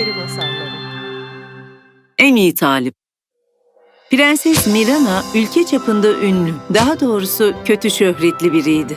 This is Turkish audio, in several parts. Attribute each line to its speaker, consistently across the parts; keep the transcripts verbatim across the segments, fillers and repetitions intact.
Speaker 1: Peri Masalları.
Speaker 2: En iyi talip. Prenses Mirana ülke çapında ünlü, daha doğrusu kötü şöhretli biriydi.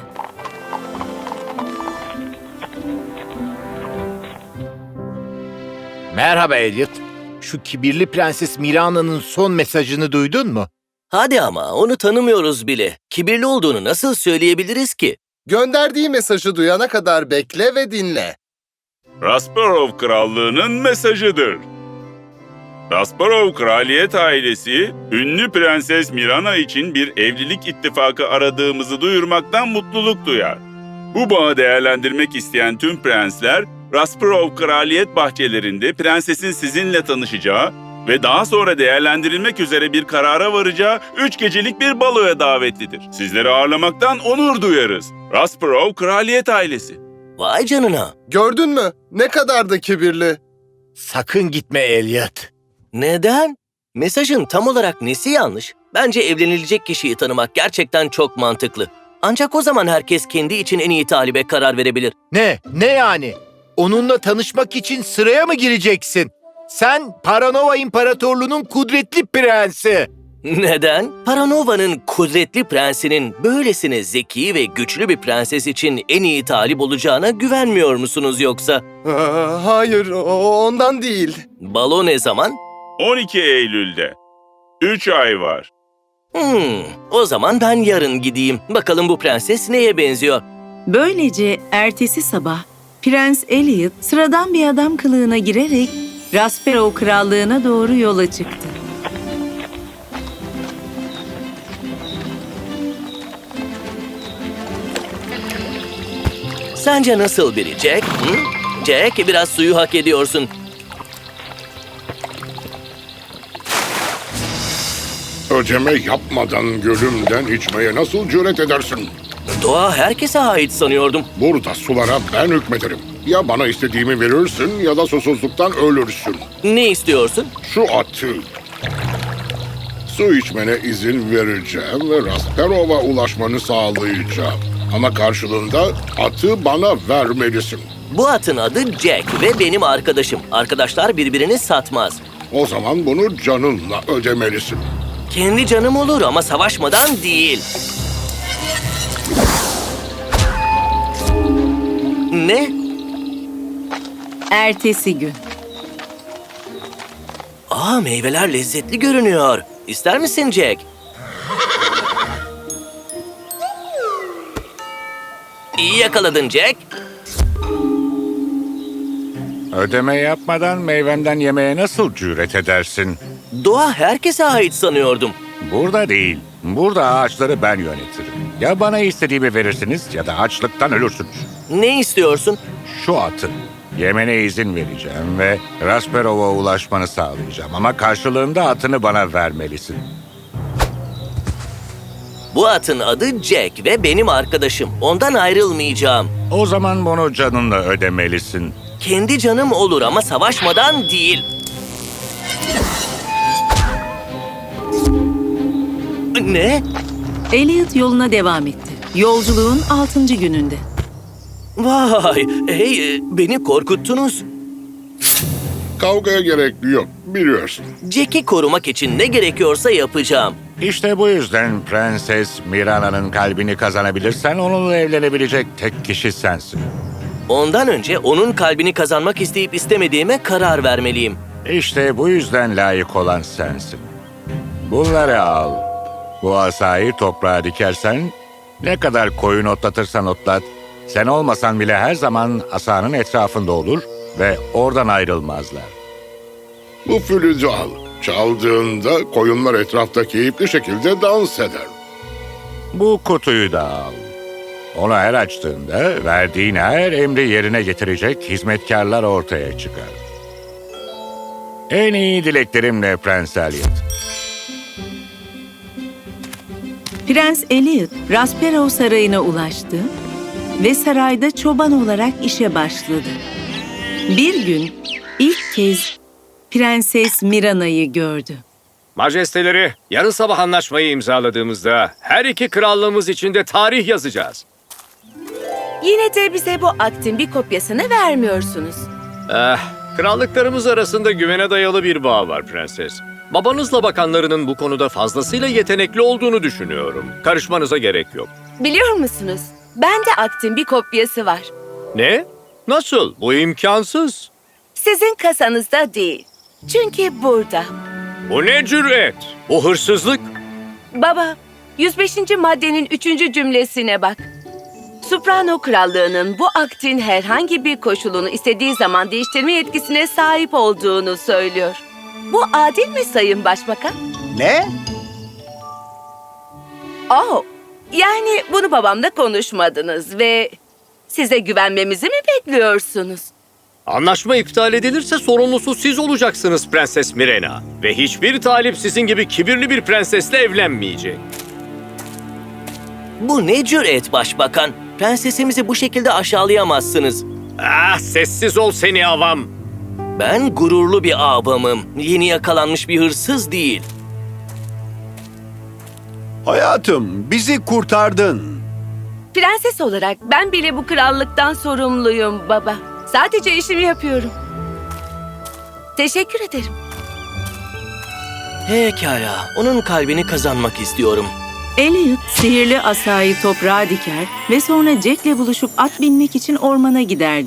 Speaker 3: Merhaba Elliot. Şu kibirli Prenses Mirana'nın son mesajını duydun mu?
Speaker 4: Hadi ama onu tanımıyoruz bile. Kibirli olduğunu nasıl söyleyebiliriz ki?
Speaker 5: Gönderdiği mesajı duyana kadar bekle ve dinle.
Speaker 6: Rasparov Krallığı'nın mesajıdır. Rasparov kraliyet ailesi, ünlü Prenses Mirana için bir evlilik ittifakı aradığımızı duyurmaktan mutluluk duyar. Bu bağı değerlendirmek isteyen tüm prensler, Rasparov kraliyet bahçelerinde prensesin sizinle tanışacağı ve daha sonra değerlendirilmek üzere bir karara varacağı üç gecelik bir baloya davetlidir. Sizleri ağırlamaktan onur duyarız. Rasparov kraliyet ailesi.
Speaker 4: Vay canına.
Speaker 5: Gördün mü? Ne kadar da kibirli.
Speaker 3: Sakın gitme Elliot.
Speaker 4: Neden? Mesajın tam olarak nesi yanlış? Bence evlenilecek kişiyi tanımak gerçekten çok mantıklı. Ancak o zaman herkes kendi için en iyi talibe karar verebilir.
Speaker 3: Ne? Ne yani? Onunla tanışmak için sıraya mı gireceksin? Sen Paranova İmparatorluğu'nun kudretli prensi.
Speaker 4: Neden? Paranova'nın kudretli prensinin böylesine zeki ve güçlü bir prenses için en iyi talip olacağına güvenmiyor musunuz yoksa?
Speaker 5: Aa, hayır, o- ondan değil.
Speaker 4: Balo ne zaman?
Speaker 6: on iki Eylül'de. Üç ay var.
Speaker 4: Hmm, o zaman ben yarın gideyim. Bakalım bu prenses neye benziyor?
Speaker 2: Böylece ertesi sabah Prens Elliot sıradan bir adam kılığına girerek Rasparov Krallığı'na doğru yola çıktı.
Speaker 4: Sence nasıl biri Jack? Hı? Jack, biraz suyu hak ediyorsun.
Speaker 7: Ödeme yapmadan gölümden içmeye nasıl cüret edersin?
Speaker 4: Doğa herkese ait sanıyordum.
Speaker 7: Burada sulara ben hükmederim. Ya bana istediğimi verirsin ya da susuzluktan ölürsün.
Speaker 4: Ne istiyorsun?
Speaker 7: Şu atı. Su içmene izin vereceğim ve Rasparov'a ulaşmanı sağlayacağım. Ama karşılığında atı bana vermelisin.
Speaker 4: Bu atın adı Jack ve benim arkadaşım. Arkadaşlar birbirini satmaz.
Speaker 7: O zaman bunu canınla ödemelisin.
Speaker 4: Kendi canım olur ama savaşmadan değil. Ne?
Speaker 2: Ertesi gün.
Speaker 4: Aa, meyveler lezzetli görünüyor. İster misin Jack? İyi yakaladın Jack.
Speaker 8: Ödeme yapmadan meyvemden yemeye nasıl cüret edersin?
Speaker 4: Doğa herkese ait sanıyordum.
Speaker 8: Burada değil. Burada ağaçları ben yönetirim. Ya bana istediğimi verirsiniz ya da açlıktan ölürsünüz.
Speaker 4: Ne istiyorsun?
Speaker 8: Şu atı. Yemene izin vereceğim ve Rasparov'a ulaşmanı sağlayacağım. Ama karşılığında atını bana vermelisin.
Speaker 4: Bu atın adı Jack ve benim arkadaşım. Ondan ayrılmayacağım.
Speaker 8: O zaman bunu canınla ödemelisin.
Speaker 4: Kendi canım olur ama savaşmadan değil. Ne?
Speaker 2: Elliot yoluna devam etti. Yolculuğun altıncı gününde.
Speaker 4: Vay, hey, beni korkuttunuz.
Speaker 7: Kavgaya gerek yok, biliyorsun.
Speaker 4: Jack'i korumak için ne gerekiyorsa yapacağım.
Speaker 8: İşte bu yüzden Prenses Mirana'nın kalbini kazanabilirsen onunla evlenebilecek tek kişi sensin.
Speaker 4: Ondan önce onun kalbini kazanmak isteyip istemediğime karar vermeliyim.
Speaker 8: İşte bu yüzden layık olan sensin. Bunları al. Bu asayı toprağa dikersen, ne kadar koyun otlatırsan otlat, sen olmasan bile her zaman asanın etrafında olur ve oradan ayrılmazlar.
Speaker 7: Bu flütü al. Çaldığında koyunlar etrafta keyifli şekilde dans eder.
Speaker 8: Bu kutuyu da al. Onu her açtığında verdiğin her emri yerine getirecek hizmetkarlar ortaya çıkar. En iyi dileklerimle Prens Elliot.
Speaker 2: Prens Elliot, Rasparov Sarayı'na ulaştı ve sarayda çoban olarak işe başladı. Bir gün ilk kez Prenses Mirana'yı gördü.
Speaker 9: Majesteleri, yarın sabah anlaşmayı imzaladığımızda her iki krallığımız için de tarih yazacağız.
Speaker 1: Yine de bize bu aktin bir kopyasını vermiyorsunuz.
Speaker 9: Eh, Krallıklarımız arasında güvene dayalı bir bağ var prenses. Babanızla bakanlarının bu konuda fazlasıyla yetenekli olduğunu düşünüyorum. Karışmanıza gerek yok.
Speaker 1: Biliyor musunuz? Bende aktin bir kopyası var.
Speaker 9: Ne? Nasıl? Bu imkansız.
Speaker 1: Sizin kasanızda değil. Çünkü burada.
Speaker 9: Bu ne cüret? Bu hırsızlık.
Speaker 1: Baba, yüz beşinci maddenin üçüncü cümlesine bak. Soprano Krallığı'nın bu aktin herhangi bir koşulunu istediği zaman değiştirme yetkisine sahip olduğunu söylüyor. Bu adil mi Sayın Başbakan?
Speaker 3: Ne?
Speaker 1: Oh, yani bunu babamla konuşmadınız ve size güvenmemizi mi bekliyorsunuz?
Speaker 9: Anlaşma iptal edilirse sorumlusu siz olacaksınız Prenses Mirena. Ve hiçbir talip sizin gibi kibirli bir prensesle evlenmeyecek.
Speaker 4: Bu ne cüret başbakan? Prensesimizi bu şekilde aşağılayamazsınız.
Speaker 9: Ah, sessiz ol seni avam.
Speaker 4: Ben gururlu bir ağabeyim. Yeni yakalanmış bir hırsız değil.
Speaker 3: Hayatım, bizi kurtardın.
Speaker 1: Prenses olarak ben bile bu krallıktan sorumluyum baba. Sadece işimi yapıyorum. Teşekkür ederim.
Speaker 4: Pekala, onun kalbini kazanmak istiyorum.
Speaker 2: Elliot sihirli asayı toprağa diker ve sonra Jack'le buluşup at binmek için ormana giderdi.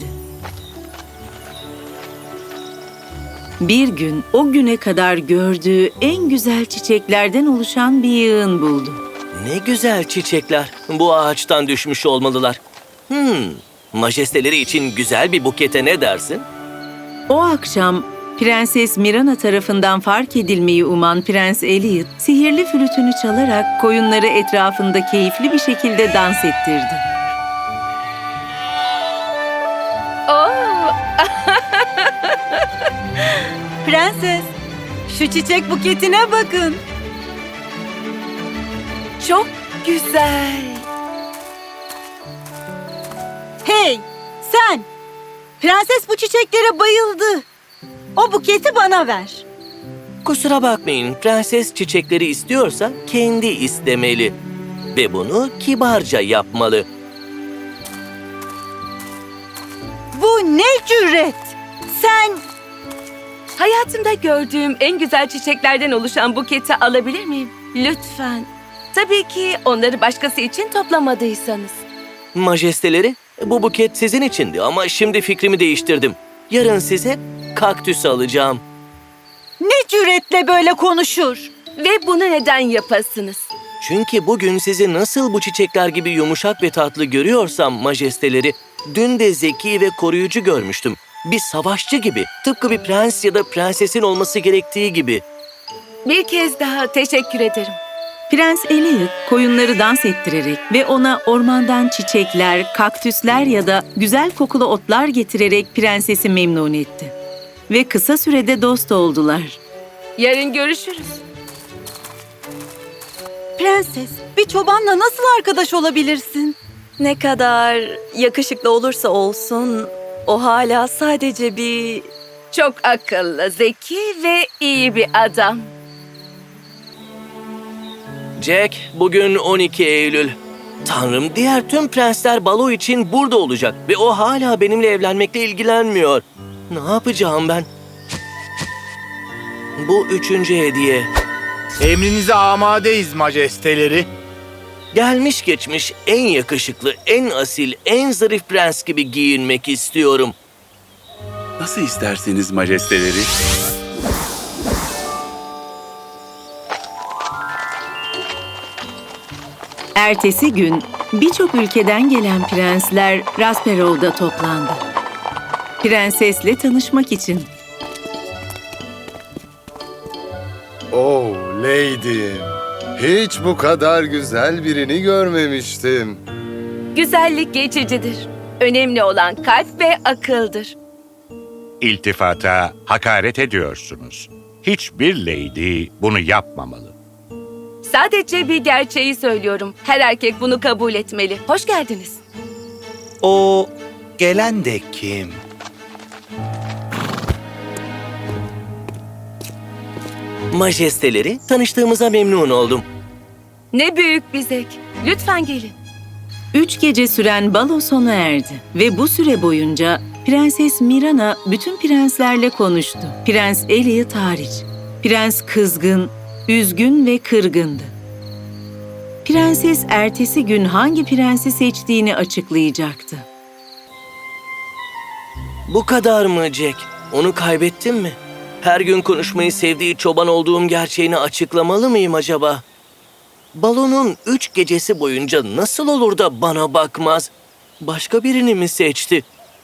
Speaker 2: Bir gün o güne kadar gördüğü en güzel çiçeklerden oluşan bir yığın buldu.
Speaker 4: Ne güzel çiçekler. Bu ağaçtan düşmüş olmalılar. Hmm, majesteleri için güzel bir bukete ne dersin?
Speaker 2: O akşam Prenses Mirana tarafından fark edilmeyi uman Prens Elliot, sihirli flütünü çalarak koyunları etrafında keyifli bir şekilde dans ettirdi.
Speaker 1: Oo,
Speaker 10: Prenses, şu çiçek buketine bakın.
Speaker 1: çok güzel.
Speaker 10: Hey, sen! Prenses bu çiçeklere bayıldı. O buketi bana ver.
Speaker 4: Kusura bakmayın, prenses çiçekleri istiyorsa kendi istemeli. Ve bunu kibarca yapmalı.
Speaker 10: Bu ne cüret? Sen...
Speaker 1: Hayatımda gördüğüm en güzel çiçeklerden oluşan buketi alabilir miyim? Lütfen. Tabii ki onları başkası için toplamadıysanız.
Speaker 4: Majesteleri, bu buket sizin içindi ama şimdi fikrimi değiştirdim. Yarın size kaktüs alacağım.
Speaker 10: Ne cüretle böyle konuşur?
Speaker 1: Ve bunu neden yapasınız?
Speaker 4: Çünkü bugün sizi nasıl bu çiçekler gibi yumuşak ve tatlı görüyorsam majesteleri, dün de zeki ve koruyucu görmüştüm. Bir savaşçı gibi, tıpkı bir prens ya da prensesin olması gerektiği gibi.
Speaker 1: Bir kez daha teşekkür ederim.
Speaker 2: Prens Elliot koyunları dans ettirerek ve ona ormandan çiçekler, kaktüsler ya da güzel kokulu otlar getirerek prensesi memnun etti. Ve kısa sürede dost oldular.
Speaker 1: Yarın görüşürüz.
Speaker 10: Prenses, bir çobanla nasıl arkadaş olabilirsin?
Speaker 11: Ne kadar yakışıklı olursa olsun, o hala sadece bir...
Speaker 1: Çok akıllı, zeki ve iyi bir adam.
Speaker 4: Jack, bugün on iki Eylül. Tanrım, diğer tüm prensler balo için burada olacak ve o hala benimle evlenmekle ilgilenmiyor. Ne yapacağım ben? Bu üçüncü hediye.
Speaker 3: Emrinize amadeyiz majesteleri.
Speaker 4: Gelmiş geçmiş en yakışıklı, en asil, en zarif prens gibi giyinmek istiyorum.
Speaker 6: Nasıl isterseniz majesteleri.
Speaker 2: Ertesi gün birçok ülkeden gelen prensler Rasperov'da toplandı. Prensesle tanışmak için.
Speaker 5: Oh Lady, hiç bu kadar güzel birini görmemiştim.
Speaker 1: Güzellik geçicidir. Önemli olan kalp ve akıldır.
Speaker 8: İltifata hakaret ediyorsunuz. Hiçbir lady bunu yapmamalı.
Speaker 1: Sadece bir gerçeği söylüyorum. Her erkek bunu kabul etmeli. Hoş geldiniz.
Speaker 3: O gelen de kim?
Speaker 4: Majesteleri, tanıştığımıza memnun oldum.
Speaker 1: Ne büyük bir zevk. Lütfen gelin.
Speaker 2: Üç gece süren balo sona erdi ve bu süre boyunca Prenses Mirana bütün prenslerle konuştu. Prens Elliot hariç. Prens kızgın, üzgün ve kırgındı. Prenses ertesi gün hangi prensi seçtiğini açıklayacaktı.
Speaker 4: Bu kadar mı Jack? Onu kaybettim mi? Her gün konuşmayı sevdiği çoban olduğum gerçeğini açıklamalı mıyım acaba? Balonun üç gecesi boyunca nasıl olur da bana bakmaz? Başka birini mi seçti?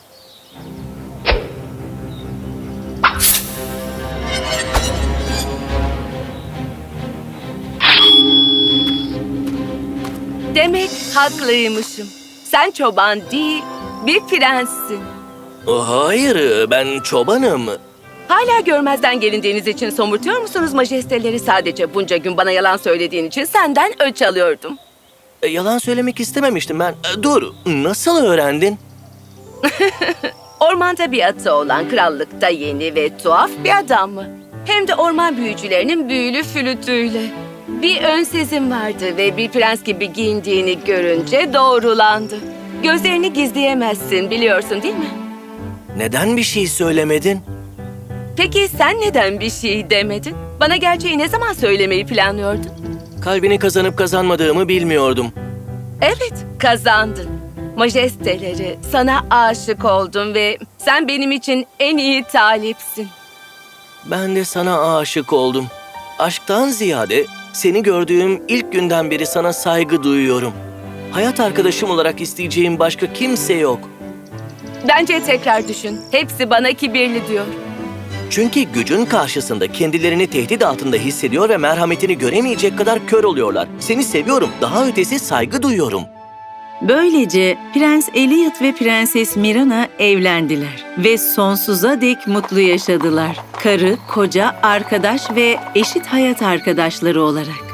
Speaker 1: Demek haklıymışım. Sen çoban değil, bir prenssin.
Speaker 4: Hayır, ben çobanım.
Speaker 1: Hala görmezden gelindiğiniz için somurtuyor musunuz majesteleri? Sadece bunca gün bana yalan söylediğin için senden öç alıyordum.
Speaker 4: E, Yalan söylemek istememiştim ben. E, Dur, nasıl öğrendin?
Speaker 1: Ormanda bir atı olan krallıkta yeni ve tuhaf bir adam mı? Hem de orman büyücülerinin büyülü flütüyle. Bir ön sezim vardı ve bir prens gibi giyindiğini görünce doğrulandı. Gözlerini gizleyemezsin, biliyorsun değil mi?
Speaker 4: Neden bir şey söylemedin?
Speaker 1: Peki sen neden bir şey demedin? Bana gerçeği ne zaman söylemeyi planlıyordun?
Speaker 4: Kalbini kazanıp kazanmadığımı bilmiyordum.
Speaker 1: Evet, kazandın. Majesteleri, sana aşık oldum ve sen benim için en iyi talipsin.
Speaker 4: Ben de sana aşık oldum. Aşktan ziyade seni gördüğüm ilk günden beri sana saygı duyuyorum. Hayat arkadaşım olarak isteyeceğim başka kimse yok.
Speaker 1: Bence tekrar düşün. Hepsi bana kibirli diyor.
Speaker 4: Çünkü gücün karşısında kendilerini tehdit altında hissediyor ve merhametini göremeyecek kadar kör oluyorlar. Seni seviyorum, daha ötesi saygı duyuyorum.
Speaker 2: Böylece Prens Elliot ve Prenses Mirana evlendiler ve sonsuza dek mutlu yaşadılar. Karı, koca, arkadaş ve eşit hayat arkadaşları olarak.